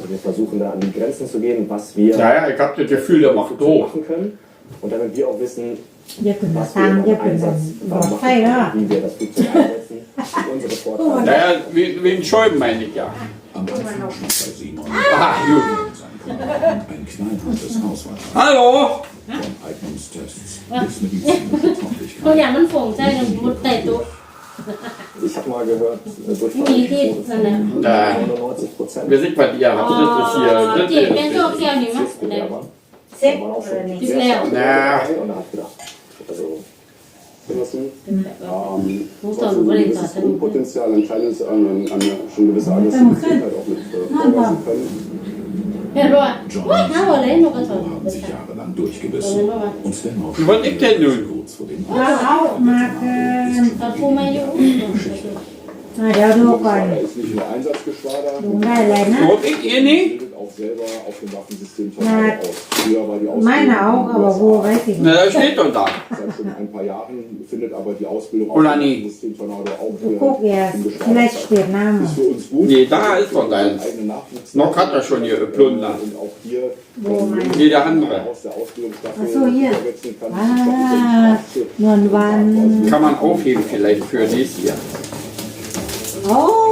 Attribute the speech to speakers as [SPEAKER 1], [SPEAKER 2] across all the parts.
[SPEAKER 1] Also wir versuchen da an die Grenzen zu gehen, was wir
[SPEAKER 2] Ja, ich habe das Gefühl, der macht doof.
[SPEAKER 1] machen können. Und damit wir auch wissen,
[SPEAKER 3] อย่าขึ้นมา
[SPEAKER 1] was
[SPEAKER 3] ทาง
[SPEAKER 1] wir
[SPEAKER 3] อย่า
[SPEAKER 1] im
[SPEAKER 3] ขึ้น
[SPEAKER 1] Einsatz
[SPEAKER 3] หลอด
[SPEAKER 1] machen
[SPEAKER 3] ไฟแล้ว
[SPEAKER 1] können, wie wir das Flugzeug einsetzen, unsere Vorteile.
[SPEAKER 2] Naja, wie ein Schäuben meine ich ja.
[SPEAKER 4] Am Anfang schon bei Simon
[SPEAKER 2] Aha, gut.
[SPEAKER 4] sein Körper ein knallhartes Hauswasser
[SPEAKER 2] Hallo?
[SPEAKER 4] von Eignungstests bis medizinische
[SPEAKER 5] ตัวอ
[SPEAKER 4] Tauglichkeit.
[SPEAKER 5] ย่างมันฝงใจกันมุดใต้โต๊ะ
[SPEAKER 1] Ich habe mal gehört, Durchfall
[SPEAKER 5] Wie geht es denn?
[SPEAKER 1] 99%.
[SPEAKER 2] Wir sind bei dir. Habt ihr das hier?
[SPEAKER 5] เจ็บเป็นโรคเกี่ยวนี่มั้ย
[SPEAKER 3] เซ็ก
[SPEAKER 1] Man auch
[SPEAKER 3] อะไร
[SPEAKER 1] schon
[SPEAKER 3] นี่
[SPEAKER 5] Ist
[SPEAKER 1] sehr
[SPEAKER 5] leer.
[SPEAKER 1] stark
[SPEAKER 2] Ja.
[SPEAKER 1] dabei und hat gedacht, also genossen.
[SPEAKER 5] ผู้สอนบริษัท
[SPEAKER 6] Das Potenzial, ein kleines, eine schon gewisse Aggressivität halt auch mit vorweisen können.
[SPEAKER 5] เห็นป่ะ
[SPEAKER 4] John
[SPEAKER 5] ว้า
[SPEAKER 4] und
[SPEAKER 5] ห้าวันเลยนกกระสอบ
[SPEAKER 4] Simon haben sich jahrelang durchgebissen und dennoch
[SPEAKER 2] Was ich denn nun?
[SPEAKER 4] kurz vor dem
[SPEAKER 3] เราเอามาเกิน
[SPEAKER 5] ตอนผู้ไม่อยู่
[SPEAKER 3] เดี๋ยวดูก่อน
[SPEAKER 6] Geschwader ist nicht nur Einsatzgeschwader,
[SPEAKER 3] ลุงได้อะไรนะ
[SPEAKER 2] Was ich ihr nicht?
[SPEAKER 6] bildet auch selber auf dem Waffensystem Tornado aus. Früher war die
[SPEAKER 3] ไม่หนาว
[SPEAKER 6] Ausbildung
[SPEAKER 3] ก็บอกวัวไว้สิ
[SPEAKER 2] Na, da steht doch da.
[SPEAKER 6] seit schon ein paar Jahren, findet aber die Ausbildung auf
[SPEAKER 2] Oder
[SPEAKER 6] dem
[SPEAKER 2] nie?
[SPEAKER 6] Waffensystem Tornado auch
[SPEAKER 3] พวกแก
[SPEAKER 6] im
[SPEAKER 3] ที่ไร
[SPEAKER 6] Geschwader
[SPEAKER 3] เปลี่ยนน้ำ
[SPEAKER 6] ist für uns gut.
[SPEAKER 2] Nee, da ist doch
[SPEAKER 6] weil wir
[SPEAKER 2] deins.
[SPEAKER 6] einen eigenen Nachwuchs
[SPEAKER 2] Noch hat er schon hier geplündert.
[SPEAKER 6] und auch hier
[SPEAKER 3] Wo mein-
[SPEAKER 2] Jeder andere.
[SPEAKER 6] aus der Ausbildungsstaffel
[SPEAKER 3] Ach so, hier.
[SPEAKER 6] vorwärts kann.
[SPEAKER 3] นวลวัน
[SPEAKER 2] Kann man aufheben vielleicht für nächstes Jahr.
[SPEAKER 3] โอ้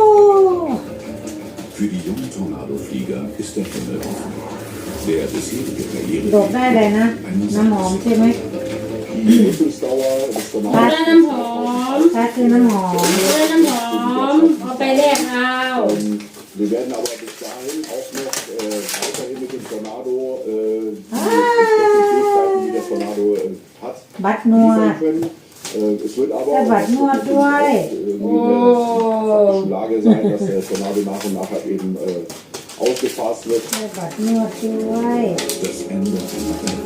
[SPEAKER 4] Für die jungen Tornadoflieger ist der Himmel offen. Der bisherige
[SPEAKER 3] ดกได้เลยนะ น้ำหอมใช่ไหม
[SPEAKER 6] Die Nutzungsdauer des
[SPEAKER 5] ได้
[SPEAKER 6] Tornados
[SPEAKER 5] น้ำหอม
[SPEAKER 3] ถ้าคือน้ำหอม
[SPEAKER 5] ได้น้ำหอมเอาไปแลกเอา
[SPEAKER 6] Wir werden aber bis dahin auch noch weiterhin mit dem Tornado die Fähigkeiten, die der Tornado hat,
[SPEAKER 3] บัตรนว
[SPEAKER 6] liefern
[SPEAKER 3] ด
[SPEAKER 6] können. Es wird aber
[SPEAKER 3] Ja, was nur
[SPEAKER 6] in
[SPEAKER 3] zwei.
[SPEAKER 6] der Lage sein, dass der Tornado nach und nach halt eben ausgefasst wird.
[SPEAKER 3] ได้บัตรนวดด้วย
[SPEAKER 4] Das Ende einer Ära.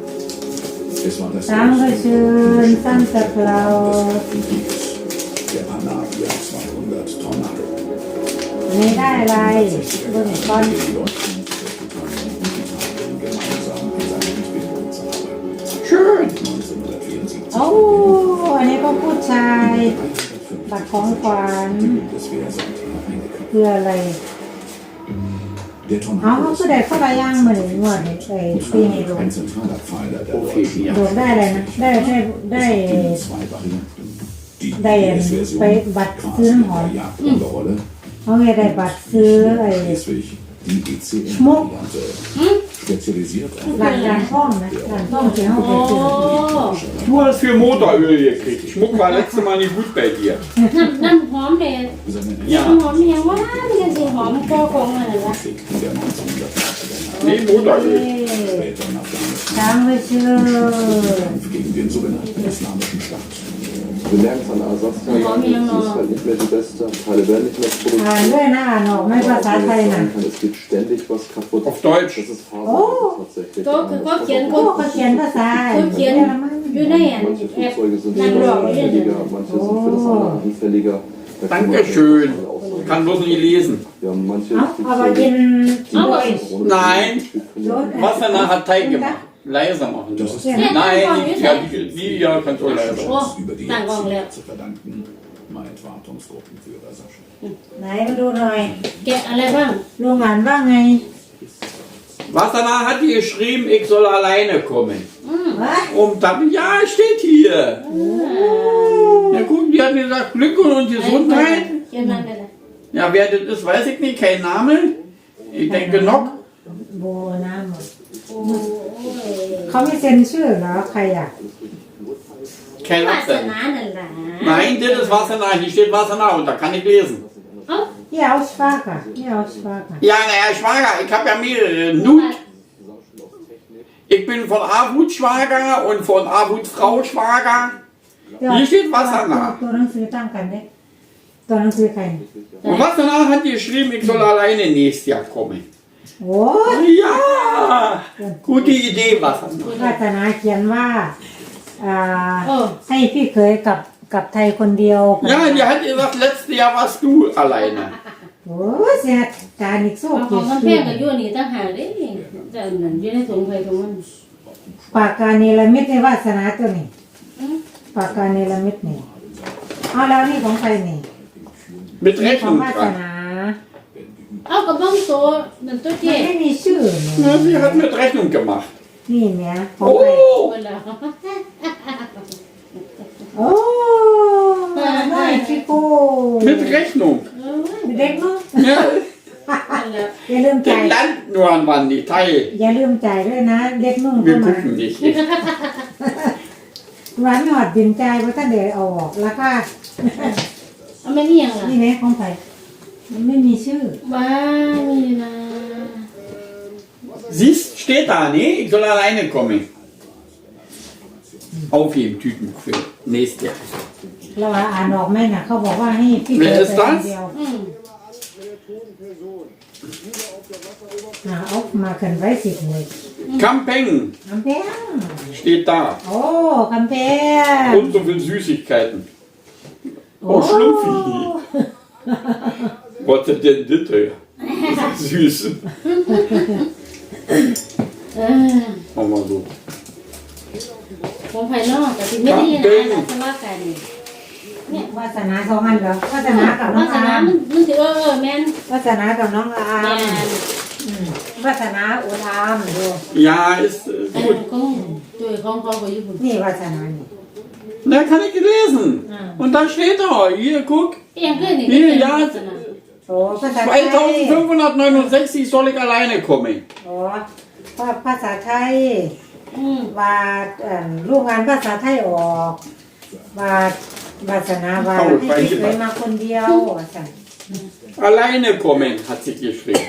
[SPEAKER 4] Es war das
[SPEAKER 3] สังกะชืนสันตะเกลา
[SPEAKER 4] Ersten Krieges. Der Panavia 200 Tornado.
[SPEAKER 3] อันนี้ได้อะไรเบื้องต้น
[SPEAKER 4] Den Deutschen Großbritannien und Italien gemeinsam an seiner Entwicklung zu arbeiten.
[SPEAKER 2] Schön.
[SPEAKER 4] 1974
[SPEAKER 3] โอ้อันนี้ก็ผู้ชาย บัตรของขวัญ
[SPEAKER 4] die Bundeswehr Sandra Heinecke.
[SPEAKER 3] คืออะไร
[SPEAKER 4] Der
[SPEAKER 3] เอา
[SPEAKER 4] Tornado
[SPEAKER 3] เขา
[SPEAKER 4] ist
[SPEAKER 3] ก็ได้เข้าไปย่างเหมือนงวดไอ้ปีนี้ลง
[SPEAKER 4] ein zentraler Pfeiler der
[SPEAKER 2] Okay,
[SPEAKER 4] deutschen
[SPEAKER 2] ja.
[SPEAKER 3] โดกได้อะไรนะได้ได้
[SPEAKER 4] in zwei Varianten. Die
[SPEAKER 3] ได้
[SPEAKER 4] US-Version
[SPEAKER 3] ไปบัตรซื้อ
[SPEAKER 4] quasi
[SPEAKER 3] น้ำหอม
[SPEAKER 4] per Jagdunterrolle,
[SPEAKER 3] เขาไงได้บัตรซื้อไอ้
[SPEAKER 4] schließlich die
[SPEAKER 3] Schmuck.
[SPEAKER 4] ECM-Variante, spezialisiert auf
[SPEAKER 3] หลังการท่องนะหลังท่องที่เขาไป
[SPEAKER 5] โอ้
[SPEAKER 3] ซื้อ
[SPEAKER 2] Du hast für Motoröl gekriegt. Schmuck war letztes Mal nicht gut bei dir.
[SPEAKER 5] น้ำหอมเด็ด
[SPEAKER 4] seine
[SPEAKER 2] Ja.
[SPEAKER 5] น้ำหอมเนี่ยว่ามันสิหอมก็คงอะไรวะ
[SPEAKER 4] Krieg in der 1980er Jahre.
[SPEAKER 2] Nee, Motoröl.
[SPEAKER 4] Später nach der
[SPEAKER 3] ทางไปซื้อ
[SPEAKER 4] Kampf gegen den sogenannten Islamischen Staat.
[SPEAKER 6] Wir lernen von Ersatzteilen, es ist halt nicht mehr die beste, Teile werden nicht mehr
[SPEAKER 3] อ่าน
[SPEAKER 6] produziert.
[SPEAKER 3] ด้วยนะอ่านออกไม่ภาษาไทยนะ
[SPEAKER 6] Es geht ständig was kaputt.
[SPEAKER 2] Auf Deutsch.
[SPEAKER 6] Das ist Faser tatsächlich.
[SPEAKER 5] ก็คือก็เขียน
[SPEAKER 3] โอ้
[SPEAKER 5] ก็
[SPEAKER 3] เขาเขียนภาษา
[SPEAKER 5] เขาเขียน
[SPEAKER 3] เยอรมัน
[SPEAKER 5] อยู่ในอัน
[SPEAKER 6] Manche
[SPEAKER 5] แอป
[SPEAKER 6] Flugzeuge sind
[SPEAKER 5] Dann
[SPEAKER 6] für das
[SPEAKER 5] doch,
[SPEAKER 6] anfälliger, manche sind für das andere anfälliger. Da kann man
[SPEAKER 2] Dankeschön.
[SPEAKER 6] auch sagen.
[SPEAKER 2] Kann bloß nicht lesen.
[SPEAKER 6] Wir haben manche
[SPEAKER 3] เอาไปกินด้วย
[SPEAKER 2] Nein.
[SPEAKER 3] รถ
[SPEAKER 2] Wasser hat Teig gemacht. Leiser machen.
[SPEAKER 4] Das ist
[SPEAKER 2] Nein, ja, die ja kannst du leiser.
[SPEAKER 5] Oh,
[SPEAKER 4] über die
[SPEAKER 5] danke,
[SPEAKER 4] Jahrzehnte
[SPEAKER 5] Leo.
[SPEAKER 4] zu verdanken, meint Wartungsgruppenführer Sascha.
[SPEAKER 3] ไหนมาดูหน่อย
[SPEAKER 5] แกะอะไรบ้าง
[SPEAKER 3] ลุงอ่านว่าไง
[SPEAKER 2] Wassermann hat die geschrieben, ich soll alleine kommen.
[SPEAKER 3] วะ
[SPEAKER 2] Und dann, ja, steht hier. Ja gut, die hat gesagt, Glück und Gesundheit.
[SPEAKER 5] เขียนมันอะไร
[SPEAKER 2] Ja, wer das ist, weiß ich nicht, kein Name. Ich denke noch.
[SPEAKER 3] โบน้ำหมด
[SPEAKER 5] โอ้ย
[SPEAKER 3] เขาไม่เซ็นชื่อเหรอใครอ่ะ
[SPEAKER 2] Kein
[SPEAKER 5] วาส
[SPEAKER 2] Absender.
[SPEAKER 5] นานั่นแหละ
[SPEAKER 2] Nein, das ist Wassermann. Hier steht Wassermann und da kann ich lesen.
[SPEAKER 5] เอ้า
[SPEAKER 3] ที่เอาสฟาค่ะที่เอาสฟาค่ะ
[SPEAKER 2] Ja, naja, Schwager, ich habe ja mehrere. Nut. Ich bin von Avut Schwager und von Avut Frau Schwager. Hier steht Wassermann.
[SPEAKER 3] ตัวหนังสือตั้งกันเนี่ยตัวหนังสือใคร
[SPEAKER 2] Und Wassermann hat geschrieben, ich soll alleine nächstes Jahr kommen.
[SPEAKER 3] โอ้ย
[SPEAKER 2] Ja, gute Idee, Wassermann.
[SPEAKER 3] วาสนาเขียนว่าอ่า
[SPEAKER 5] โอ้
[SPEAKER 3] ให้พี่เคยกับไทยคนเดียว
[SPEAKER 2] Ja, die hat gesagt, letztes Jahr warst du alleine.
[SPEAKER 3] โอ้ยเสียการอีกสู้
[SPEAKER 5] ขอ
[SPEAKER 3] กี่
[SPEAKER 5] งมันแพ
[SPEAKER 3] ชื่
[SPEAKER 5] ง
[SPEAKER 3] อ
[SPEAKER 5] กับยุ่นนี่ตั้งหากเด้แต่อันนั้นอยู่ในถุงไฟถุงมัน
[SPEAKER 3] ปากกาเนรมิตในวาสนาตัวนี้ปากกาเนรมิตนี่เอาแล้วนี่ของใครนี่
[SPEAKER 2] Mit
[SPEAKER 3] นี่ของ
[SPEAKER 2] Rechnung
[SPEAKER 3] วาส
[SPEAKER 2] dran.
[SPEAKER 3] นา
[SPEAKER 4] Wenn
[SPEAKER 5] เอากระบ้องโตนั่นตัว
[SPEAKER 3] มัน
[SPEAKER 5] เจ๊
[SPEAKER 3] ไม่มีชื่อ
[SPEAKER 2] Ja, sie hat mit Rechnung gemacht.
[SPEAKER 3] นี่แหม่ของใคร
[SPEAKER 2] Oh,
[SPEAKER 5] เวลา
[SPEAKER 3] โอ้น้อยชิโก้
[SPEAKER 2] mit Rechnung.
[SPEAKER 3] เด็กเนาะ
[SPEAKER 2] Ja,
[SPEAKER 3] อย่าลืมจ่าย
[SPEAKER 2] den Land nur an wann die Teil.
[SPEAKER 3] อย่าลืมจ่ายด้วยนะเด็กนุ่ง
[SPEAKER 2] Wir
[SPEAKER 3] เข้ามา
[SPEAKER 2] gucken nicht.
[SPEAKER 3] หวานหอดบินจ่ายเพราะท่านเดี๋ยวเอาออกราคา
[SPEAKER 5] เอาไม่นี่ยังล่ะ
[SPEAKER 3] นี่แหละของใครมันไม่มีชื่อ
[SPEAKER 5] บ้ามีนะ
[SPEAKER 2] Siehst, steht da, nee, ich soll alleine kommen. Aufheben, Tüten für nächstes Jahr.
[SPEAKER 3] เราอ่านออกไหมน่ะเขาบอกว่าให้พี่
[SPEAKER 2] เวลา
[SPEAKER 3] เกิด
[SPEAKER 2] ส
[SPEAKER 3] ไป
[SPEAKER 2] ตาร์ท
[SPEAKER 3] คนเดียว
[SPEAKER 5] อืม
[SPEAKER 3] เอามาขึ้นไว้สิบเลย
[SPEAKER 2] Camping
[SPEAKER 3] คำแพง
[SPEAKER 2] steht da.
[SPEAKER 3] โอ้คำแพง
[SPEAKER 2] Und so viel Süßigkeiten. Oh, Schlümpfi. Was ist denn das? Süß. Machen wir so.
[SPEAKER 5] ของภายนอกแต่ที่ไม่ได้นะแต่สว่ากันเนี่ยว
[SPEAKER 3] าสนาสองอันเหรอวาสนากับน้
[SPEAKER 5] วา
[SPEAKER 3] อง
[SPEAKER 5] ส
[SPEAKER 3] อา
[SPEAKER 5] นา
[SPEAKER 3] ร์ม
[SPEAKER 5] มันถือแม่น
[SPEAKER 3] วาสนากับน้องอา
[SPEAKER 5] แม่
[SPEAKER 3] ร์ม
[SPEAKER 5] น
[SPEAKER 3] วาสนาอุดอามดู
[SPEAKER 2] Ja, ist
[SPEAKER 5] อัน
[SPEAKER 2] gut.
[SPEAKER 5] ของตัวของเขาไปญี่ปุ่น
[SPEAKER 3] นี่วาสนานี่
[SPEAKER 2] Da kann ich lesen. Und da steht er. Hier, guck.
[SPEAKER 5] เอียงขึ้นนี่วาสนา
[SPEAKER 3] โอ้ภาษาไทย
[SPEAKER 2] 2569 soll ich alleine kommen.
[SPEAKER 3] โอ้ภาษาไทย
[SPEAKER 5] อืม
[SPEAKER 3] ว่าลูกงานภาษาไทยออกว่าวาสนาว่าให้พี่เคยมาคนเดียวว่าสั่น
[SPEAKER 2] Alleine kommen, hat sie geschrieben.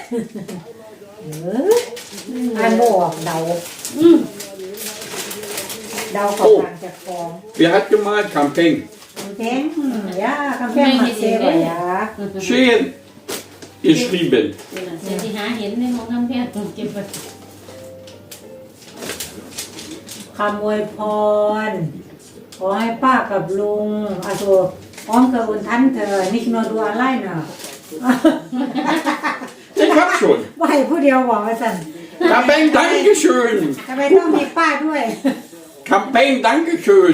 [SPEAKER 3] อ่านบ่ออกเดา
[SPEAKER 5] อืม
[SPEAKER 3] เดากับทางจากฟอง
[SPEAKER 2] Wer hat gemalt? Camping.
[SPEAKER 3] คำแพงย่าคำแพงมาเซวะยา
[SPEAKER 2] Schön geschrieben.
[SPEAKER 5] เดี๋ยวที่หาเห็นในของน้ำแพทย์เก็บไป
[SPEAKER 3] คำอวยพรขอให้ป้ากับลุงอาโซพร้อมกับอุนทันเธอนิกโนดูอะไรเนาะ
[SPEAKER 2] Ich hab schon.
[SPEAKER 3] ว่าให้ผู้เดียวบอกว่าสั่น
[SPEAKER 2] Camping, Dankeschön.
[SPEAKER 3] ทำไมต้องมีป้าด้วย
[SPEAKER 2] Camping, Dankeschön.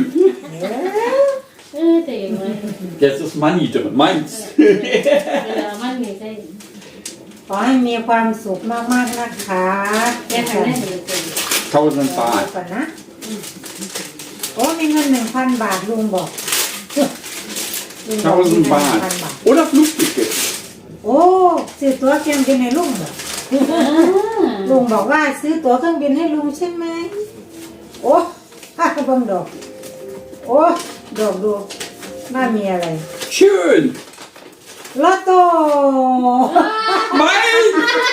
[SPEAKER 5] แต่ยังไง
[SPEAKER 2] Jetzt ist Money drin, meins.
[SPEAKER 5] เวลามันมีใช่
[SPEAKER 3] ขอให้มีความสุขมากๆนะคะ
[SPEAKER 5] แค่ไหนได้เลย
[SPEAKER 2] 1000
[SPEAKER 3] เอา
[SPEAKER 2] Baht.
[SPEAKER 3] ก่อนนะโอ้มีเงิน 1,000 บาทลุงบอกลุงบอกมีเงิน
[SPEAKER 2] 1000 Baht.
[SPEAKER 3] 1,000 บาท
[SPEAKER 2] Oder Flugticket.
[SPEAKER 3] โอ้ซื้อตั๋วเครื่องบินให้ลุงเหรอลุงบอกว่าซื้อตั๋วเครื่องบินให้ลุงใช่ไหมโอ้ข้าก็เบิ่งดอกโอ้ดอกดูน่ามีอะไร
[SPEAKER 2] Schön.
[SPEAKER 3] ลอตโต้
[SPEAKER 2] Mein.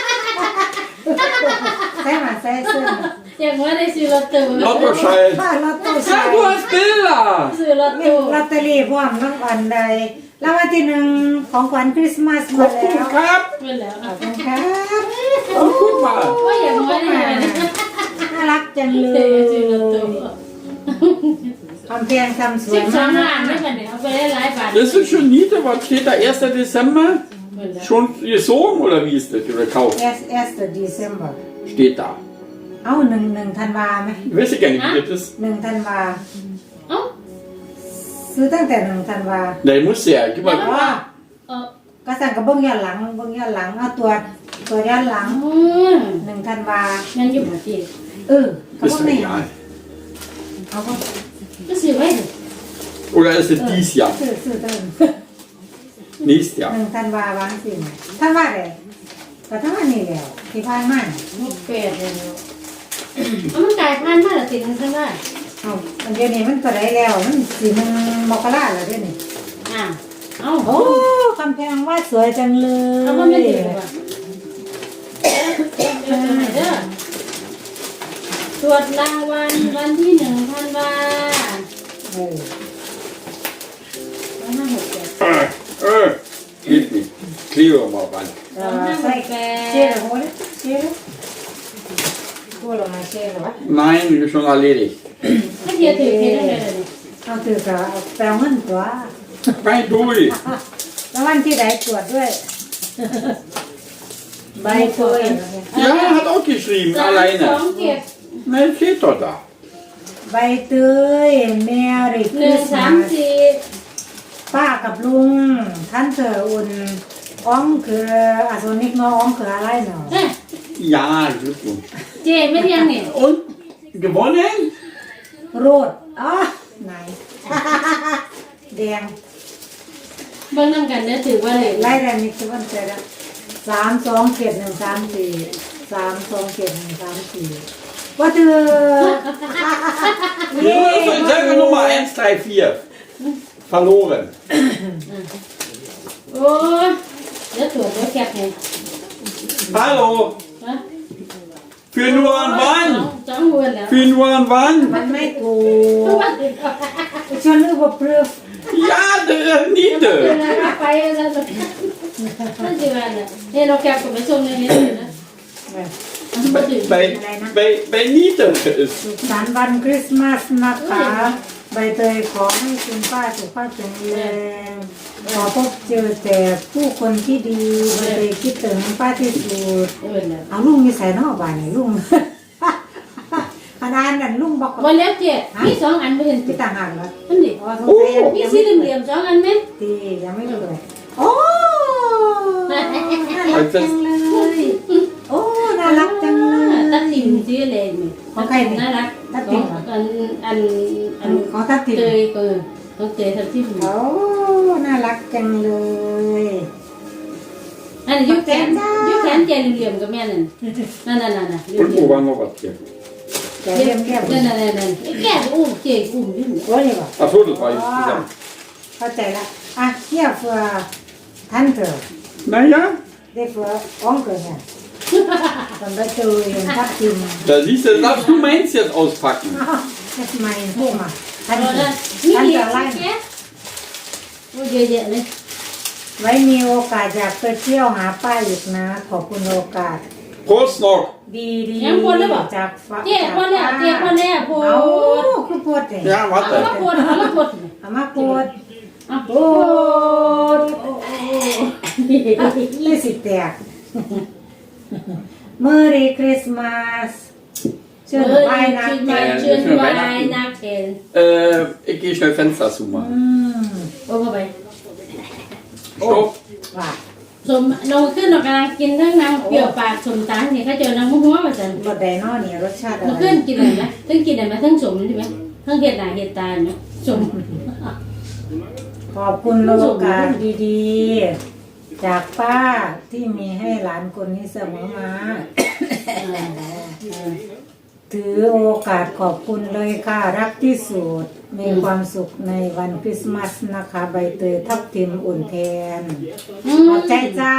[SPEAKER 3] ใช่ไหมใช่ซื้อ
[SPEAKER 5] อย่างว่าได้ซื้อลอตเตอรี่
[SPEAKER 2] Lottoschein.
[SPEAKER 3] ป้าลอตโต้ใช่
[SPEAKER 2] Ah, du hast Bilder.
[SPEAKER 5] ซื้อลอตเตอรี่
[SPEAKER 3] ลอตเตอรี่พร้อมน้องอันใดรางวัลที่หนึ่งของขวัญคริสต์มาสมา
[SPEAKER 2] Guck
[SPEAKER 3] แล้ว
[SPEAKER 2] ab.
[SPEAKER 5] เป็นแล้ว
[SPEAKER 3] ขอบคุณครับ
[SPEAKER 2] Oh, guck mal.
[SPEAKER 5] ว่าอย่างว่าได้เลย
[SPEAKER 3] น่ารักจังเล
[SPEAKER 5] ซื้อลอตเตอย รี่
[SPEAKER 3] คำแพงทำสวย
[SPEAKER 5] 12
[SPEAKER 3] มา
[SPEAKER 5] ล้าน
[SPEAKER 3] ก
[SPEAKER 5] ไม่เป็นไรเอาไปได้หลายบาท
[SPEAKER 2] Das ist schon niete. Was steht da? 1. Dezember? Schon gesogen oder wie ist das? Oder gekauft?
[SPEAKER 3] S December
[SPEAKER 2] Steht da.
[SPEAKER 3] เอาหนึ่งธันวาไหม
[SPEAKER 2] Ich weiß gar nicht, wie das ist.
[SPEAKER 3] 1 ธันวา
[SPEAKER 5] เอ้า
[SPEAKER 3] ซื้อตั้งแต่1 ธันวา
[SPEAKER 2] Nein, muss ja. Gib mal.
[SPEAKER 3] ว่า
[SPEAKER 5] เออ
[SPEAKER 3] ก็สั่งกับเบิ้งย้อนหลังเอาตัวย้อนหลัง
[SPEAKER 5] อืม
[SPEAKER 3] 1 ธันวา
[SPEAKER 5] งั้นอยู่บ่ที่
[SPEAKER 3] ก็
[SPEAKER 2] Ist
[SPEAKER 3] พวก
[SPEAKER 2] mir
[SPEAKER 3] นี้
[SPEAKER 2] egal.
[SPEAKER 3] เอาก็
[SPEAKER 5] ก็ซื้อไว้ดิ
[SPEAKER 2] Oder ist es dies Jahr?
[SPEAKER 3] ซื้อตั้ง
[SPEAKER 2] Nächstes Jahr.
[SPEAKER 3] 1 ธันวาวางสิธันวาเลยก็ธันวานี่แล้วที่ผ่านมา
[SPEAKER 5] 68เลยเนาะเอามันกลายพันธุ์มาแล้วติดมันซั่นว่า
[SPEAKER 3] เอาอันเดียวนี้มันก็ได้แล้วมันสิมันมกราแล้วเดี๋ยวนี้
[SPEAKER 5] อ่ะเอ้า
[SPEAKER 3] โอ้คำแพงว่าสวยจังเลย
[SPEAKER 5] เอามันไม่ติดว่ะเด้อตรวจรางวัลวันที่1 ธันวา
[SPEAKER 3] เออ
[SPEAKER 2] Geht nicht. Klebe mal ran.
[SPEAKER 3] ใส่เชื่อหรือเปล่าเชื่อพูดออกมาเชื่อหรือวะ
[SPEAKER 2] Nein, schon erledigt.
[SPEAKER 5] ถ้าเทียถือเทียได้เลย
[SPEAKER 3] เอาถือกับแปลงเงินตัว
[SPEAKER 2] Kein Dui.
[SPEAKER 3] แล้ววันที่ไหนตรวจด้วย ใบตัว
[SPEAKER 2] Ja, hat auch geschrieben,
[SPEAKER 5] 2
[SPEAKER 2] alleine.
[SPEAKER 5] เกียรติ
[SPEAKER 2] Nein, steht doch da.
[SPEAKER 3] ใบเตยแมรี่ค
[SPEAKER 5] 1
[SPEAKER 3] ริสต์มาส
[SPEAKER 5] 3 4
[SPEAKER 3] ป้ากับลุงท่านเธออุ่น Onkel, also nicht nur Onkel alleine.
[SPEAKER 5] เอ้ย
[SPEAKER 2] Ja, Glückwunsch.
[SPEAKER 5] เจ๊ไม่เที่ยงนี่
[SPEAKER 2] Und gewonnen?
[SPEAKER 3] Rot. Ah, nein. แดง
[SPEAKER 5] เบิ่งน้ำกันเด้อถือว่าเลย
[SPEAKER 3] Leider nicht gewonnen, leider. 3-2-4-1-3-4 3-2-4-1-3-4 Warte!
[SPEAKER 2] Sag mir Nummer 1, 3, 4. Verloren.
[SPEAKER 5] โอ้ยเดี๋ยวตรวจเดี๋ยวแคปให้
[SPEAKER 2] Hallo.
[SPEAKER 5] ฮะ
[SPEAKER 2] Für nur ein
[SPEAKER 5] ส
[SPEAKER 2] Wann.
[SPEAKER 5] องเดือนแล้ว
[SPEAKER 2] Für nur ein Wann.
[SPEAKER 3] มันไม่ถูก Schon überprüft.
[SPEAKER 2] Ja, der Niete.
[SPEAKER 5] ไปแล้วนั่นสิว่าเนี่ยนี่เราแคปกับไปส่งในนี้เลยนะมันบ่ถึง
[SPEAKER 2] Bei Niete ist.
[SPEAKER 3] สุขสันต์วันคริสต์มาสนะคะใบเตยขอให้คุณป้าสุขภาพแข็งแรงขอพบเจอแต่ผู้คนที่ดีใบเตยคิดถึงป้าที่สุด
[SPEAKER 5] เออแล้ว
[SPEAKER 3] เอาลุงมีใส่นอกบ้านนี่ลุง ขนาดนั้นลุงบอก
[SPEAKER 5] วันแล้วเจ๊มีสองอันไม่เห็นติ
[SPEAKER 3] ที่ต่างหากเหรอ
[SPEAKER 5] มันดิ
[SPEAKER 3] อ๋อสงสัย
[SPEAKER 5] มีสีเหลี่ยมๆสองอันไหม
[SPEAKER 3] ตียังไม่เลยโอ้น่ารักจังเลยโอ้น่ารักจังเลย
[SPEAKER 5] ตัดสินสีอะไรนี่
[SPEAKER 3] ของใครนี่
[SPEAKER 5] น่ารัก
[SPEAKER 3] ตัดสินเหรอ
[SPEAKER 5] อัน
[SPEAKER 3] ขอทับทิม
[SPEAKER 5] เตยก็ต้องเตยทับทิม
[SPEAKER 3] โอ้น่ารักจังเลย
[SPEAKER 5] อันนี้ยกแขนเจเหลี่ยมกับแม่นั่นนั่น
[SPEAKER 2] Und wo war noch was hier?
[SPEAKER 3] แกเรียมแก้ม
[SPEAKER 5] นั่นแก้อุ้มเจอุ้มนี่
[SPEAKER 3] โอ้ยบอก
[SPEAKER 2] Ach so, das war jetzt zusammen.
[SPEAKER 3] เข้าใจละอ่ะเทียบเฟือท่านเถอะ
[SPEAKER 2] Naja,
[SPEAKER 3] ได้เฟืออ้องเกิดเนี่ยตอนไปเจอเห็นทับทิม
[SPEAKER 2] da siehst du, darfst du meins jetzt auspacken.
[SPEAKER 3] อ้าวนี่ทำไมพูดมาท่าน
[SPEAKER 5] เรา
[SPEAKER 3] เถ
[SPEAKER 5] ได้
[SPEAKER 3] อะ
[SPEAKER 5] มี
[SPEAKER 3] ท่าน
[SPEAKER 5] เย
[SPEAKER 3] จะ
[SPEAKER 5] อะ
[SPEAKER 3] ไล่
[SPEAKER 5] แยะโอ้เยอะเลย
[SPEAKER 3] ไว้มีโอกาสอยากไปเที่ยวหาป้าอีกนะ ขอบคุณโอกาส
[SPEAKER 2] Prost noch.
[SPEAKER 3] ดีดี
[SPEAKER 5] ยังคนเลยบ่
[SPEAKER 3] จากฟ้า
[SPEAKER 5] เจ๊คนแล้วเจ๊คนแล้วโพ
[SPEAKER 3] เอา
[SPEAKER 5] ด
[SPEAKER 3] คือพูดเลย
[SPEAKER 2] Ja,
[SPEAKER 5] เอามา
[SPEAKER 2] warte.
[SPEAKER 5] โพดเอามาโพด
[SPEAKER 3] เอามาพูด
[SPEAKER 5] เอาโพ
[SPEAKER 3] โอ้
[SPEAKER 5] ด
[SPEAKER 3] เลยสิแตก Merry Christmas เชิญไปนะแก
[SPEAKER 5] เชิญไว้นักเทน
[SPEAKER 2] Ich gehe schnell Fenster zumachen.
[SPEAKER 5] โอ้เข้าไป
[SPEAKER 2] Stopp.
[SPEAKER 3] ว่า
[SPEAKER 5] สมลงขึ้นเรากำลังกินทั้งนางเปรี้ยวปากสมตังนี่เขาเจอนางหัวมาจัง
[SPEAKER 3] รสไดโนเนี่ยรสชาติอะ
[SPEAKER 5] มัน
[SPEAKER 3] ไร
[SPEAKER 5] ขึ้นกินอะไรไหมทั้งกินอะไรไหมทั้งสมใช่ไหมทั้งเห็ดหน้าเห็ดตาเนาะสม
[SPEAKER 3] ขอบคุณโอกาสดีๆ จากป้าที่มีให้หลานคนนี้เสมอมา ถือโอกาสขอบคุณเลยค่ะรักที่สุดมีความสุขในวันคริสต์มาสนะคะใบเตยทับทิมอุ่นแทนขอบใจจ้า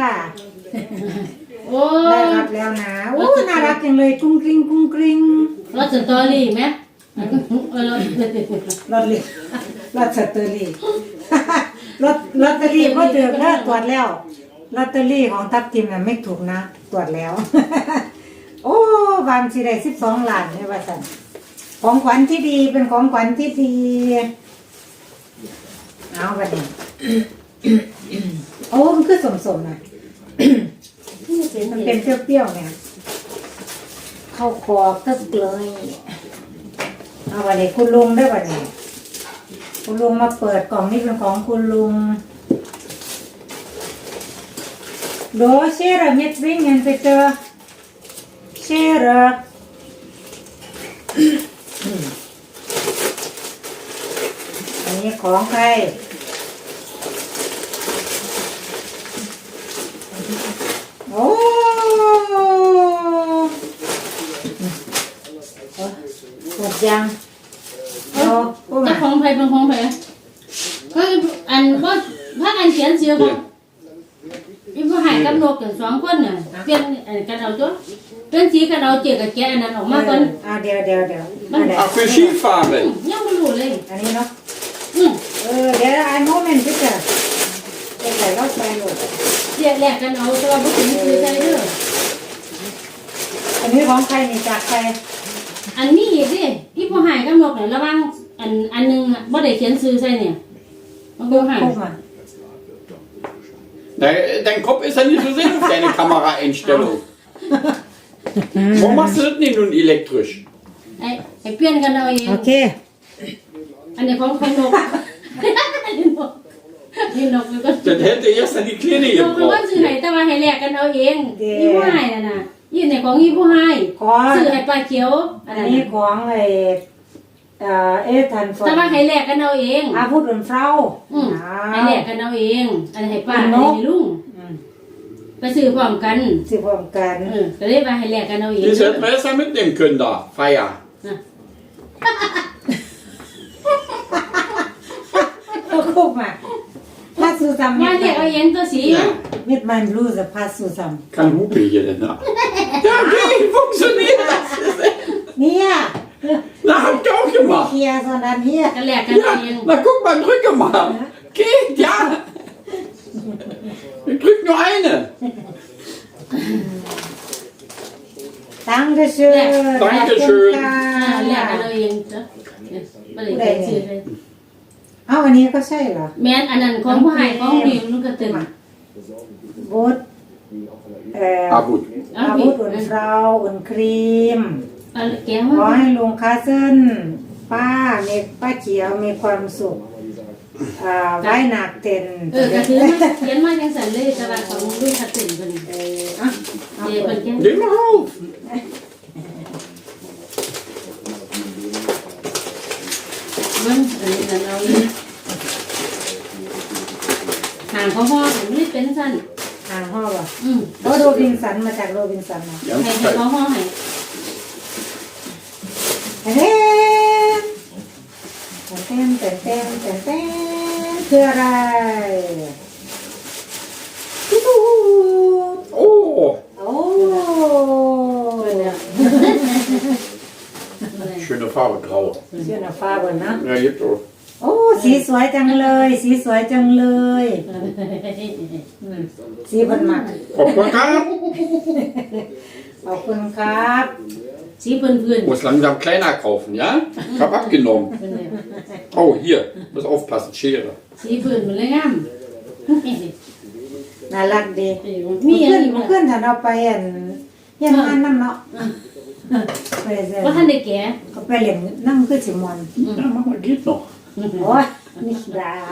[SPEAKER 5] โอ้
[SPEAKER 3] ได้รับแล้วนะโอ้น่ารักจังเลยกุ้งกริ้งกุ้งกริ้ง
[SPEAKER 5] รสสตอรี่ไหมเออ
[SPEAKER 3] รถเลีรถสตอรี่ ลอตเตอรี่ก็เดือกแล้วตรวจแล้วลอตเตอรี่ของทับทิมน่ะไม่ถูกนะตรวจแล้ว โอ้บางสิได้12 ล้านเนี่ยว่าสั่นของขวัญที่ดีเป็นของขวัญที่ดีเอาบัดนี้ โอ้มันคือสมๆนะมันเป็นเปรี้ยวๆเนี่ยเข้าคอตึกเลยเอาบัดนี้คุณลุงได้บัดนี้คุณลุงมาเปิดกล่องนี้เป็นของคุณลุงโดเชระเม็ดวิ่งเงินไปเจอเชระอันนี้ของใครโอ้หมดยังโอ้โอ้
[SPEAKER 5] จะ
[SPEAKER 3] มา
[SPEAKER 5] ของไผ่เป็นของไผ่ก็อันว่าถ้าอันเขียนเสียของอีผู้หายกับนกอย่าง2 คนน่ะเปลี่ยนกันเอาจ้ะเปลี่ยนสีกันเอาเจียกับแกอันนั้นออกมาก่อน
[SPEAKER 3] เดี๋ยว
[SPEAKER 2] Ach, für Skifahren.
[SPEAKER 5] ยังไม่รู้เลย
[SPEAKER 3] อันนี้เนาะ
[SPEAKER 5] อืม
[SPEAKER 3] เดี๋ยวอันโมเมนต์พี่เจ้าเดี๋ยวใส่รถไปหมด
[SPEAKER 5] เจียแลกกันเอาตัวบุกินซื้อใส่เด้อ
[SPEAKER 3] อันนี้ของใครนี่จากใคร
[SPEAKER 5] อันนี้อีกดิอีผู้หายกับนกเนี่ยระวังอันนึงบ่ได้เขียนซื้อใส่เนี่ยมันก็หาย
[SPEAKER 3] พวกมา
[SPEAKER 2] Dein Kopf ist ja nicht so sehr auf deine Kameraeinstellung. Warum machst du das nicht nun elektrisch?
[SPEAKER 5] ไอ้เปลี่ยนกันเอาเอง
[SPEAKER 3] โอเค
[SPEAKER 5] อันนี้ของนกอันนี้นกนี่นกมันก็
[SPEAKER 2] Dann hätte erst dann die Kleine
[SPEAKER 5] นกมันก็
[SPEAKER 2] gebraucht.
[SPEAKER 5] ซื้อให้แต่ว่าให้แลกกันเอาเองอีผู้ให้น่ะยี่ในของอีผู้ให้
[SPEAKER 3] ขอ
[SPEAKER 5] ซื้อให้ปลาเขียวอั
[SPEAKER 3] อั
[SPEAKER 5] น
[SPEAKER 3] น
[SPEAKER 5] นั้น
[SPEAKER 3] นี้ของทันฟอ
[SPEAKER 5] แต่ว่าให้แลกกันเอาเอง
[SPEAKER 3] อาพูดเป็นเฝ้า
[SPEAKER 5] ให้แลกกันเอาเองอันให้ป้าอันให้ลุงไปซื้อพร้อมกัน
[SPEAKER 3] สิพร้อมกัน
[SPEAKER 5] ก็เลยว่าให้แลกกันเอาเอง
[SPEAKER 2] Das hätten wir erst mal mitnehmen können da, Feier.
[SPEAKER 3] ก็คุกมาพาสูซัม
[SPEAKER 5] ว่าแลกเอาเองตัวสี
[SPEAKER 2] Ja.
[SPEAKER 3] มิดมันบลูส์พาสูซัม
[SPEAKER 2] Kein Hupe hier denn, ne? Ja, okay, funktioniert das.
[SPEAKER 3] เนี่ย
[SPEAKER 2] Na, hab ich auch
[SPEAKER 3] เค
[SPEAKER 2] gemacht.
[SPEAKER 3] ลียร์ส่วนนั้นเฮีย
[SPEAKER 5] ก็แลกกันเอาเอง
[SPEAKER 2] Ja, na guck mal, drücke mal. Geht, ja. Ich drück nur eine.
[SPEAKER 3] ตั้งกระเชื่อ
[SPEAKER 2] Dankeschön
[SPEAKER 5] แลกกันเอาเองจ้ะบ่ได้ไปซื้อเลย
[SPEAKER 3] เอาอันนี้ก็ใช่เหรอ
[SPEAKER 5] แม่นอันนั้นของผู้ให้ของดีมันก็ตึง
[SPEAKER 3] บูด
[SPEAKER 2] Ah, gut.
[SPEAKER 3] อาบูดอุ่นฟราวอุ่นครีม
[SPEAKER 5] เอาแกง
[SPEAKER 3] ขอ
[SPEAKER 5] มา
[SPEAKER 3] ให้ลุงคาเซินป้าเขียวมีความสุขไว้หนักเต็น
[SPEAKER 5] ก็ถือมาเขียนมาจังซั่นเลยแต่ว่าของลุงคัดตึงเพิ่น
[SPEAKER 3] อ่ะ
[SPEAKER 5] เดี๋ยวเพิ่นแกง
[SPEAKER 2] Nimm mal auf.
[SPEAKER 5] เบิ่งอันนี้นั่นเอาเลยห่างเขาห่อมันไม่เป็นซั่น
[SPEAKER 3] ห่างห้อว่ะ
[SPEAKER 5] อืม
[SPEAKER 3] โรบินสันมาจากโรบินสันนะ
[SPEAKER 2] Ganz
[SPEAKER 5] ให้
[SPEAKER 2] kalt.
[SPEAKER 5] เขาห่อให้
[SPEAKER 3] เต้นคืออะไรตุ๊ด
[SPEAKER 2] Oh,
[SPEAKER 3] โอ้
[SPEAKER 5] เพิ่นเนี่ย
[SPEAKER 2] schöne Farbe, grau.
[SPEAKER 3] เชื่อหน้าฟ้าบนนะ
[SPEAKER 2] Ja, gibt auch.
[SPEAKER 3] โอ้สีสวยจังเลยสีบนหมัก
[SPEAKER 2] Popcorn kam.
[SPEAKER 3] ขอบคุณครับ
[SPEAKER 5] สีเพิ่น
[SPEAKER 2] Muss langsam kleiner kaufen, ja? Ich hab abgenommen.
[SPEAKER 5] เพิ่นเนี่ย
[SPEAKER 2] Oh, hier. Muss aufpassen, Schere.
[SPEAKER 5] สีเพิ่นมันเลยงาม
[SPEAKER 3] น่ารักดี
[SPEAKER 5] มีอันนี้
[SPEAKER 3] เพื่อนถ้าเราไปยังงานนั่นเนาะไปเจอ
[SPEAKER 5] ว่าท่านได้แก่
[SPEAKER 3] ก็ไปเล่นนั่งคือสิมอน
[SPEAKER 2] Ja, mach mal, geht noch.
[SPEAKER 3] โอ้ยนี่ดา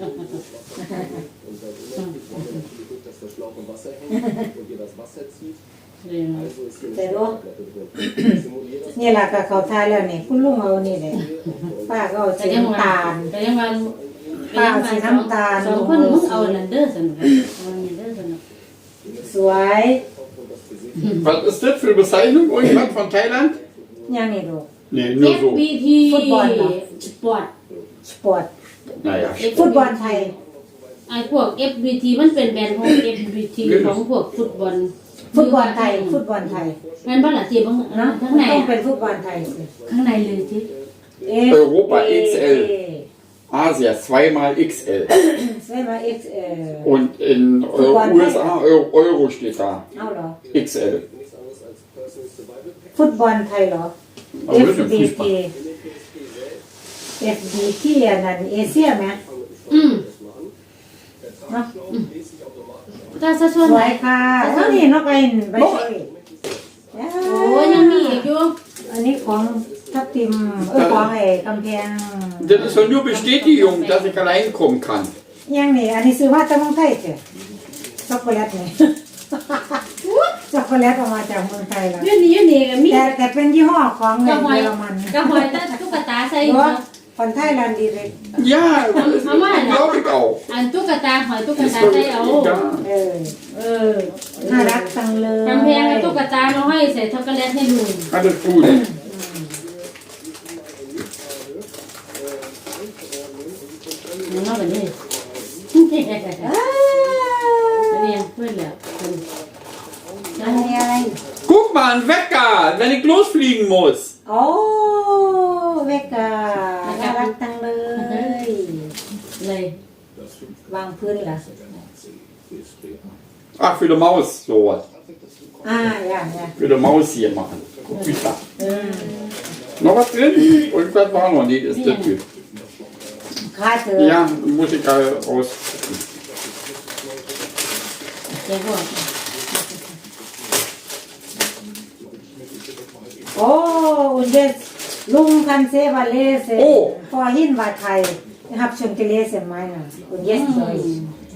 [SPEAKER 6] dass der Schlauch im Wasser hängt und ihr das Wasser zieht. Also ist hier
[SPEAKER 3] แต่
[SPEAKER 6] eine
[SPEAKER 3] รู้
[SPEAKER 6] Schallplatte drin. Simuliert das
[SPEAKER 3] นี่แหละก็เขาทายแล้วนี่คุณลุงเอานี่เลยป้าก็เอา
[SPEAKER 5] แต่
[SPEAKER 3] สี
[SPEAKER 5] ยังว่า
[SPEAKER 3] น้ำตาล
[SPEAKER 5] แต่ยังว่า
[SPEAKER 3] ป้าเอาสีน้ำตาล
[SPEAKER 5] สองคนมึงเอาอันนั้นเด้อสนุกเอาอันนี้เด้อสนุก
[SPEAKER 3] สวย
[SPEAKER 2] Was ist das für eine Bezeichnung? Irgendwas von Thailand?
[SPEAKER 3] ยังนี่ดู
[SPEAKER 2] Nee, nur so.
[SPEAKER 5] FBT
[SPEAKER 3] ฟุตบอลเหรอ
[SPEAKER 5] สปอร์ต
[SPEAKER 3] สปอร์ต
[SPEAKER 2] Naja,
[SPEAKER 3] ฟุตบอลไทย
[SPEAKER 5] ไอ้พวก FBT มันเป็นแบรนด์ของ FBT ของพวกฟุตบอล
[SPEAKER 3] ฟุตบอลไทย
[SPEAKER 5] แม่นบ่ล่ะสิบ่
[SPEAKER 3] เนาะ
[SPEAKER 5] ข้างใน
[SPEAKER 3] ต้องเป็นฟุตบอลไทยสิ
[SPEAKER 5] ข้างในเลยสิ
[SPEAKER 2] Europa XL. Asia, zweimal XL.
[SPEAKER 3] ใช่ไหม XL
[SPEAKER 2] Und in USA Euro steht da.
[SPEAKER 3] เอาเหรอ
[SPEAKER 2] XL.
[SPEAKER 3] ฟุตบอลไทยเหรอ
[SPEAKER 2] Aber das ist ja
[SPEAKER 3] FBT
[SPEAKER 2] Fußball.
[SPEAKER 3] FBT อันนั้นเอเชียไหม
[SPEAKER 5] อืม
[SPEAKER 3] เนาะ
[SPEAKER 5] แต่ซะส่วน
[SPEAKER 3] สวยค่ะเท่านี้เนาะไปใบเตย
[SPEAKER 5] โอ้ยังมีอีกอยู่
[SPEAKER 3] อันนี้ของทับทิมของไอ้กำแพง
[SPEAKER 2] Das ist doch nur Bestätigung, dass ich allein kommen kann.
[SPEAKER 3] ยังนี่อันนี้ซื้อมาจากเมืองไทยเจ้ะช็อกโกแลตนี่ ช็อกโกแลตออกมาจากเมืองไทยแล้ว
[SPEAKER 5] อยู่นี่ก็มี
[SPEAKER 3] แต่เป็นยี่ห้อของเงิ
[SPEAKER 5] กระ
[SPEAKER 3] น
[SPEAKER 5] หอย
[SPEAKER 3] เยอรมัน
[SPEAKER 5] กระหอยแต่ตุ๊กตาใส่
[SPEAKER 3] เพราะคนไทยแลนด์ดีเลย
[SPEAKER 2] Ja, das glaube ich auch.
[SPEAKER 5] อันตุ๊กตาหอยตุ๊กตาใส่เอา
[SPEAKER 2] Ja.
[SPEAKER 3] เออน่ารักจังเลย
[SPEAKER 5] กำแพงตุ๊กตามาให้ใส่ช็อกโกแลตให้ลุง
[SPEAKER 2] Alles gut.
[SPEAKER 5] นอกจากนี้เนี่ยเพื่อนแล้ว
[SPEAKER 3] อันนี้อะไร
[SPEAKER 2] Guck mal, ein Wecker, wenn ich losfliegen muss.
[SPEAKER 3] โอ้เวกาน่ารักจังเลย
[SPEAKER 5] เลย
[SPEAKER 3] วางพื้นเหรอ
[SPEAKER 2] Ach, für die Maus, sowas.
[SPEAKER 3] อย่าง
[SPEAKER 2] Für die Maus hier machen. Guck wie da. Noch was drin? Irgendwas war noch nicht, ist das gut.
[SPEAKER 3] ค่าเธอ
[SPEAKER 2] Ja, muss ich raus.
[SPEAKER 5] เดี๋ยวบอก
[SPEAKER 3] โอ้อุนเดสลุงคันเซวาเลเซ
[SPEAKER 2] โอ้
[SPEAKER 3] พอหินวาไทย Ich habe schon gelesen, meiner. Und jetzt Deutsch.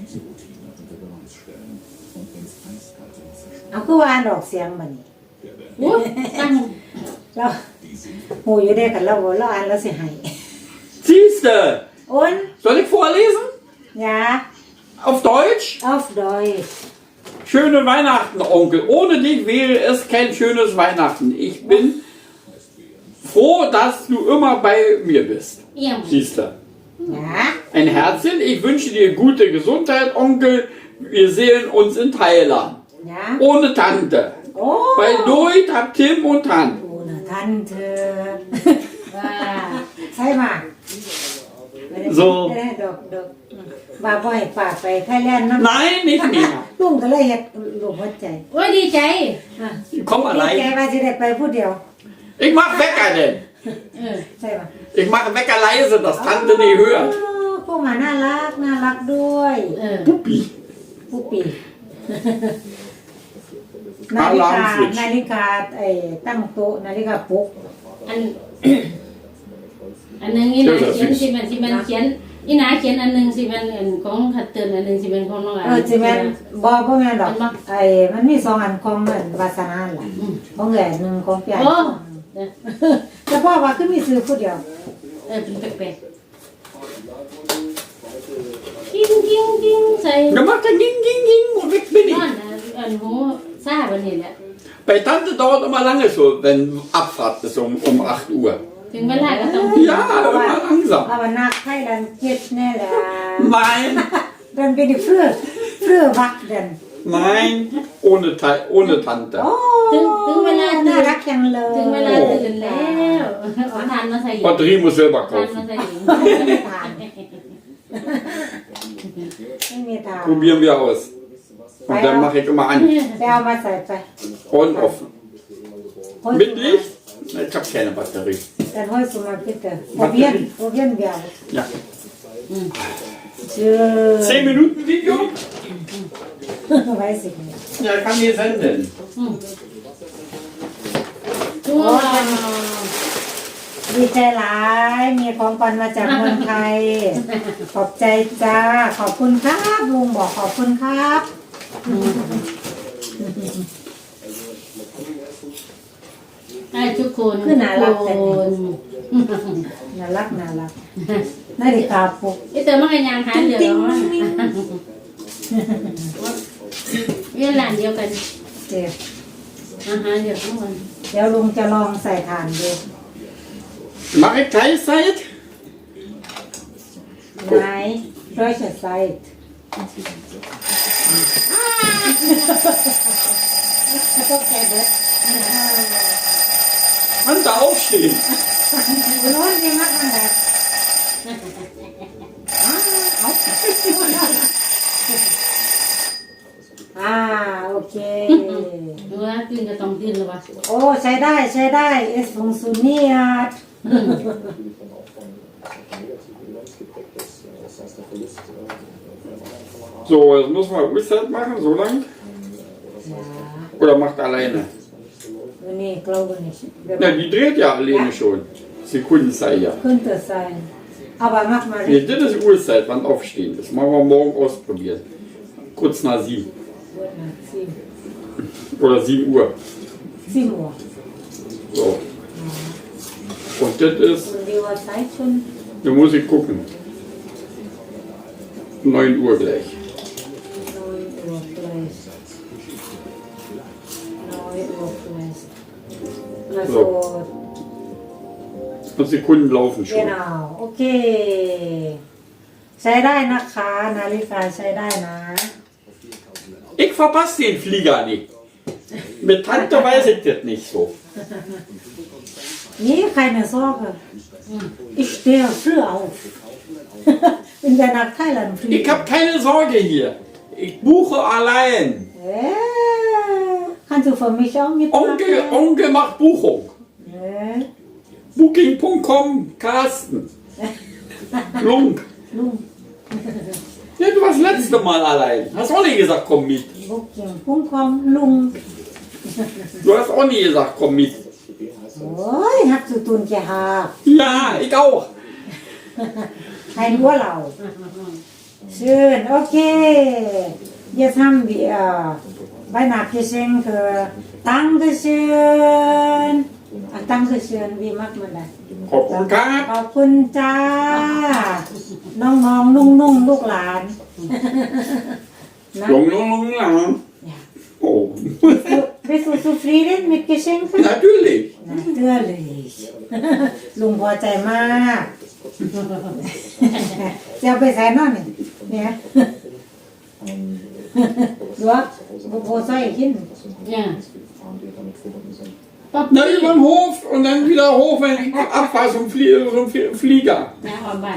[SPEAKER 3] เอาคือว่าอ่านออกเสียงมัน
[SPEAKER 5] โอ้ตั้ง
[SPEAKER 3] เราโหอยู่ได้กันเราอ่านแล้วสิให้
[SPEAKER 2] Siehste,
[SPEAKER 3] อ้น
[SPEAKER 2] soll ich vorlesen?
[SPEAKER 3] ยา
[SPEAKER 2] Auf Deutsch?
[SPEAKER 3] auf Deutsch
[SPEAKER 2] Schöne Weihnachten, Onkel. Ohne dich wäre es kein schönes Weihnachten. Ich bin froh, dass du immer bei mir bist.
[SPEAKER 5] เอี่ยม
[SPEAKER 2] Siehste.
[SPEAKER 3] ยา
[SPEAKER 2] Ein Herzchen. Ich wünsche dir gute Gesundheit, Onkel. Wir sehen uns in Thailand.
[SPEAKER 3] ยา
[SPEAKER 2] Ohne Tante.
[SPEAKER 3] โอ้
[SPEAKER 2] Bei Doit hab Tim und Han.
[SPEAKER 3] โอ้นะท่านเธอ
[SPEAKER 5] ว่า
[SPEAKER 3] ใช่มา
[SPEAKER 2] So.
[SPEAKER 3] ดอกว่าบ่ให้ฝากไปไทยแลนด์นำ
[SPEAKER 2] Nein, nicht mehr.
[SPEAKER 3] ลุงก็เลยเฮ็ดลูกหัวใจ
[SPEAKER 5] โอ้ยดีใจ
[SPEAKER 2] Ich komm
[SPEAKER 3] ดีใจ
[SPEAKER 2] allein.
[SPEAKER 3] ว่าสิได้ไปผู้เดียว
[SPEAKER 2] Ich mach Wecker denn.
[SPEAKER 5] เออ
[SPEAKER 3] ใช่ป่ะ
[SPEAKER 2] Ich mache Wecker leise, dass Tante nicht hört.
[SPEAKER 3] พวกมันน่ารักด้วย
[SPEAKER 5] เออ
[SPEAKER 2] Puppi.
[SPEAKER 3] ผู้ปีนาฬิกาไอ้ตั้งโต๊ะนาฬิกาปลุก
[SPEAKER 5] อัน อันหนึงนี่นาเขียนสิมันเขียนนี่นาเขียนอันหนึงสิมันอันของขัดเตือนอันหนึงสิเป็นของน้องอัน
[SPEAKER 3] จิแม่นบ่แม่นดอกไอ้มันมี2อันของมันวาสนาล่ะของแหล่นึงของพี่
[SPEAKER 5] โอ้เออ
[SPEAKER 3] แต่พ่อว่าคือมีซื้อผู้เดียว
[SPEAKER 5] เออเป็นแปลกๆกิ้งกิ้งกิ้งใส่
[SPEAKER 2] Dann macht er ging, ging, ging und weg bin
[SPEAKER 5] น
[SPEAKER 2] ich.
[SPEAKER 5] อนนะอันหูซาบันนี่แหละ
[SPEAKER 2] Bei Tante dauert immer lange schon, wenn Abfahrt ist um 8 Uhr.
[SPEAKER 5] ถึงเวลาก็ต้อง
[SPEAKER 2] Ja, immer langsam.
[SPEAKER 3] เอาว่านักไทยดันเก็ดแน่แหละ
[SPEAKER 2] Nein,
[SPEAKER 3] ดันเป็นเพื่อวักดัน
[SPEAKER 2] nein, ohne Tante.
[SPEAKER 3] โอ้
[SPEAKER 5] ถึงเวลา
[SPEAKER 3] น่ารักจังเลย
[SPEAKER 5] ถึงเวลาตื่นแล้วเอาทานมาใส่อยู่
[SPEAKER 2] Batterie muss selber
[SPEAKER 5] ทานมา
[SPEAKER 2] kaufen.
[SPEAKER 5] ใส่อยู่
[SPEAKER 3] ไม่มีทางไม่มีทาง
[SPEAKER 2] Probieren wir aus. Und dann mache ich immer an.
[SPEAKER 3] ไปเอามาใส่ไป
[SPEAKER 2] On, off. Mit Licht? Nein, ich habe keine Batterie.
[SPEAKER 3] Dann holst du mal bitte. Probieren wir aus.
[SPEAKER 2] Ja.
[SPEAKER 3] Schön.
[SPEAKER 2] 10 Minuten Video?
[SPEAKER 3] Weiß ich nicht.
[SPEAKER 2] Ja, kann hier senden.
[SPEAKER 5] ว้าว
[SPEAKER 3] ดีใจหลายมีของขวัญมาจากเมืองไทย ขอบใจจ้า ขอบคุณครับลุงบอกขอบคุณครับ
[SPEAKER 5] ให้ทุกคน
[SPEAKER 3] คือน่ารักแต่
[SPEAKER 5] ทุกคน
[SPEAKER 3] น่ารักนาฬิกาปลุก
[SPEAKER 5] ไอเตอร์มันก็ยังหาเดียวแล้วมั้งเวียนหลานเดียวกัน
[SPEAKER 3] เจ็บ
[SPEAKER 5] อาหารเดียวทั้งวัน
[SPEAKER 3] เดี๋ยวลุงจะลองใส่ถ่านดู
[SPEAKER 2] Mache ich Teilzeit?
[SPEAKER 3] ไหนร้อยใส่ก็แกเบิด
[SPEAKER 2] Kannst du aufstehen?
[SPEAKER 3] โน้นดีมากมันแบบโอเค
[SPEAKER 5] เมื่อตื่นก็ต้องตื่นแล้ววะ
[SPEAKER 3] โอ้ใช้ได้เอสฟงซูเนียด
[SPEAKER 2] So, jetzt müssen wir Uhrzeit machen, so lang. Oder macht alleine?
[SPEAKER 3] วันนี้กลัวนี่
[SPEAKER 2] Ja, die dreht ja alleine schon. Sekundenzeit ja.
[SPEAKER 3] könnte sein aber mach mal
[SPEAKER 2] Nee, das ist Uhrzeit, wann aufstehen ist. Machen wir morgen ausprobieren. Kurz nach 7. Oder 7 Uhr.
[SPEAKER 3] 7 Uhr
[SPEAKER 2] So. Und das ist,
[SPEAKER 3] und die Uhrzeit schon
[SPEAKER 2] da muss ich gucken. 9 Uhr gleich.
[SPEAKER 3] 9 Uhr gleich 9 Uhr gleich also
[SPEAKER 2] Und Sekunden laufen schon.
[SPEAKER 3] genau โอเคใช้ได้นะคะนาฬิกาใช้ได้นะ
[SPEAKER 2] Ich verpasse den Flieger nicht. Mit Tante weiß ich das nicht so.
[SPEAKER 3] Nee, keine Sorge. Ich stehe früh auf. In der nach Thailand fliegen.
[SPEAKER 2] Ich habe keine Sorge hier. Ich buche allein.
[SPEAKER 3] Kannst du für mich auch mitmachen?
[SPEAKER 2] Onkel macht Buchung. Booking.com, Carsten. Lunk. Ja, du warst letzte Mal allein. Hast auch nicht gesagt, komm mit.
[SPEAKER 3] Booking.com, Lung.
[SPEAKER 2] Du hast auch nie gesagt, komm mit.
[SPEAKER 3] Oh, ich hab zu tun gehabt.
[SPEAKER 2] Ja, ich auch.
[SPEAKER 3] Ein Urlaub. Schön, okay. Jetzt haben wir Weihnachtsgeschenke. Dankeschön. Ach, Dankeschön, wie macht man das?
[SPEAKER 2] ขอบคุณครับ
[SPEAKER 3] ขอบคุณจ้า น้องๆ นุ่งๆ ลูกหลานนะ
[SPEAKER 2] ลงหลังโอ้
[SPEAKER 3] Bist du zufrieden mit Geschenken?
[SPEAKER 2] natürlich
[SPEAKER 3] Natürlich ลุงพอใจมากจะเอาไปใส่นอนเนี่ยดูว่าโบใส่ขึ้น
[SPEAKER 5] Ja.
[SPEAKER 4] Gefahren, die damit verbunden sind.
[SPEAKER 2] Na, über den Hof und dann wieder hoch, wenn ich abfahre, so ein Flieger.
[SPEAKER 5] นะออกบ้าน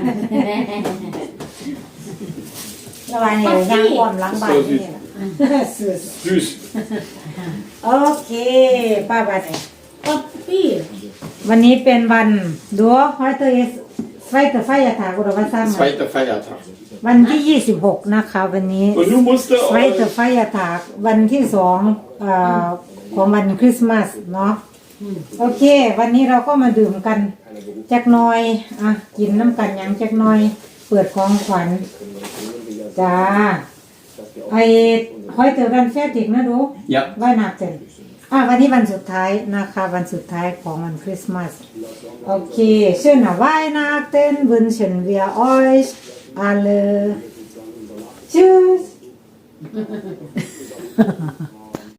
[SPEAKER 3] ระหว่างนี้ย่างความหล้างบ้านนี่แหละสุด
[SPEAKER 2] Süß.
[SPEAKER 3] โอเคป้าบัดเนี่ย
[SPEAKER 5] ป๊อปปี้
[SPEAKER 3] วันนี้เป็นวันดูheute ist zweiter Feiertag oder was sagen wir
[SPEAKER 2] Zweiter Feiertag.
[SPEAKER 3] วันที่ 26 นะคะวันนี้
[SPEAKER 2] Und du musst
[SPEAKER 3] zweiter Feiertag วันที่2ของวันคริสต์มาสเนาะโอเค วันนี้เราก็มาดื่มกันจักหน่อยอ่ะกินน้ำกันหยังจักหน่อย เปิดของขวัญจ้าไอ้heute dann fertig นะดู
[SPEAKER 2] Ja.
[SPEAKER 3] Weihnachten วันนี้วันสุดท้ายนะคะวันสุดท้ายของวันคริสต์มาสโอเค schöne Weihnachten wünschen wir euch alle tschüss